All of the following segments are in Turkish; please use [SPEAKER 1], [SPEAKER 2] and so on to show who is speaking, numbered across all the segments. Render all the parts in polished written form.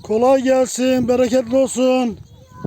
[SPEAKER 1] Kolay gelsin, bereketli olsun.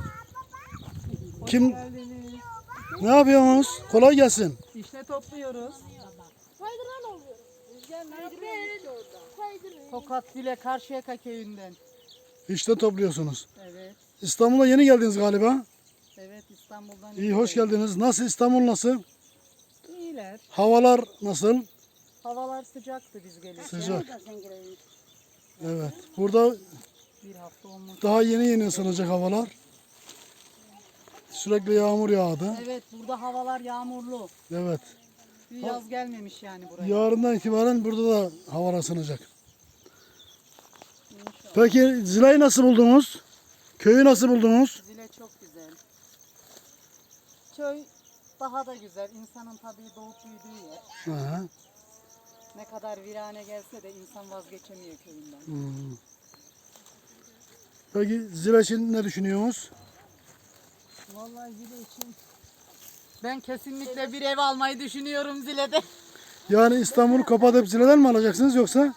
[SPEAKER 1] Kim? Ne yapıyorsunuz? Kolay gelsin.
[SPEAKER 2] İşte topluyoruz.
[SPEAKER 3] Kaydıran oluyor.
[SPEAKER 2] Rüzgar ne yapıyorsun orada? Tokat Dile Karşıyaka köyünden.
[SPEAKER 1] İşte topluyorsunuz.
[SPEAKER 2] Evet.
[SPEAKER 1] İstanbul'a yeni geldiniz galiba.
[SPEAKER 2] Evet, İstanbul'dan.
[SPEAKER 1] İyi, hoş geldiniz. Nasıl, İstanbul nasıl?
[SPEAKER 2] İyiler.
[SPEAKER 1] Havalar nasıl?
[SPEAKER 2] Havalar sıcaktı biz gelirken.
[SPEAKER 1] Sıcak. Evet. Burada
[SPEAKER 2] Bir hafta olmuş.
[SPEAKER 1] daha yeni ısınacak havalar. Sürekli yağmur yağdı.
[SPEAKER 2] Evet, burada havalar yağmurlu.
[SPEAKER 1] Evet.
[SPEAKER 2] Bir yaz gelmemiş yani buraya.
[SPEAKER 1] Yarından itibaren burada da havalar ısınacak. Peki Zila'yı nasıl buldunuz? Köyü nasıl buldunuz?
[SPEAKER 2] Zile çok güzel. Köy daha da güzel. İnsanın tabii doğup büyüdüğü yer.
[SPEAKER 1] Aha.
[SPEAKER 2] Ne kadar virane gelse de insan vazgeçemiyor köyünden.
[SPEAKER 1] Hmm. Peki Zila için ne düşünüyorsunuz?
[SPEAKER 2] Vallahi Zile için ben kesinlikle bir ev almayı düşünüyorum Zile'de.
[SPEAKER 1] Yani İstanbul'u kapatıp Zila'dan mı alacaksınız yoksa?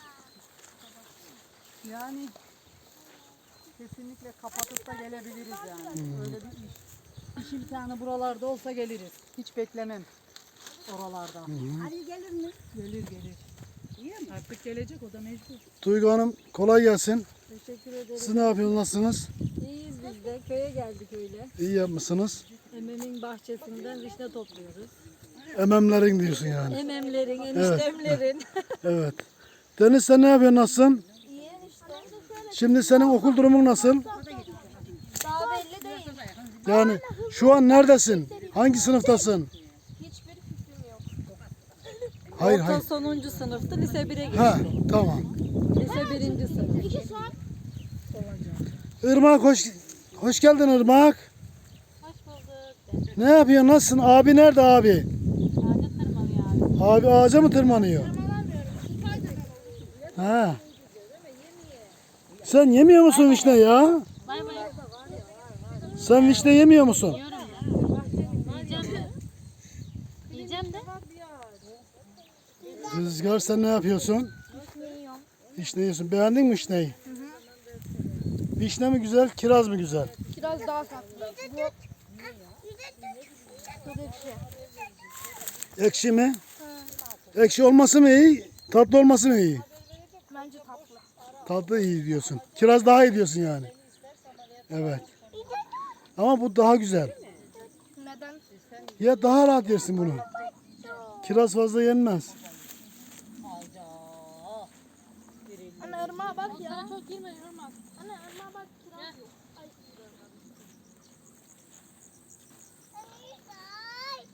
[SPEAKER 2] Yani kesinlikle kapatıp da gelebiliriz yani. Öyle bir iş imkanı buralarda olsa geliriz. Hiç beklemem oralardan.
[SPEAKER 3] Ali gelir mi?
[SPEAKER 2] Gelir. Artık gelecek, o da mecbur.
[SPEAKER 1] Duygu Hanım kolay gelsin.
[SPEAKER 3] Teşekkür ederim.
[SPEAKER 1] Siz ne yapıyorsunuz? Nasılsınız?
[SPEAKER 3] İyiyiz biz de. Köye geldik öyle.
[SPEAKER 1] İyi yapmışsınız.
[SPEAKER 3] Ememin bahçesinden vişne topluyoruz.
[SPEAKER 1] Ememlerin diyorsun yani.
[SPEAKER 3] Ememlerin, eniştemlerin.
[SPEAKER 1] Evet. Deniz sen ne yapıyorsun? Nasılsın?
[SPEAKER 3] İyi enişte.
[SPEAKER 1] Şimdi senin okul durumun nasıl?
[SPEAKER 3] Daha belli değil.
[SPEAKER 1] Yani şu an neredesin? Hangi sınıftasın?
[SPEAKER 3] Hiçbir fikrim yok.
[SPEAKER 1] Hayır
[SPEAKER 3] Orta
[SPEAKER 1] hayır.
[SPEAKER 3] sonuncu sınıftı. Lise 1'e geçti.
[SPEAKER 1] Ha tamam.
[SPEAKER 3] Lise 1. sınıf. 2 saat.
[SPEAKER 1] Irmak hoş geldin Irmak.
[SPEAKER 3] Hoş bulduk.
[SPEAKER 1] Ne yapıyorsun? Nasılsın? Abi nerede abi?
[SPEAKER 3] Ağaca tırmanıyor abi.
[SPEAKER 1] Abi ağaca mı tırmanıyor? Ha. Sen yemiyor musun vişne ya?
[SPEAKER 3] Bay bay.
[SPEAKER 1] Sen vişne yemiyor musun?
[SPEAKER 3] Yiyorum ya. Yiyeceğim de. Yiyeceğim de.
[SPEAKER 1] Rüzgar sen ne yapıyorsun?
[SPEAKER 3] Yiyorum.
[SPEAKER 1] Vişne yiyorsun. Beğendin mi vişneyi? Vişne mi güzel, kiraz mı güzel?
[SPEAKER 3] Biraz daha tatlı. Bu ekşi.
[SPEAKER 1] Ekşi mi? Ekşi olması mı iyi, tatlı olması mı iyi?
[SPEAKER 3] Bence tatlı.
[SPEAKER 1] Tatlı iyi diyorsun. Kiraz daha iyi diyorsun yani. Evet. Ama bu daha güzel.
[SPEAKER 3] Neden?
[SPEAKER 1] Ya daha rahat yersin bunu. Kiraz fazla yenmez.
[SPEAKER 3] Anne ırmağa bak ya. Çok girme ırmak. Anne ırmağa bak kiraz yok.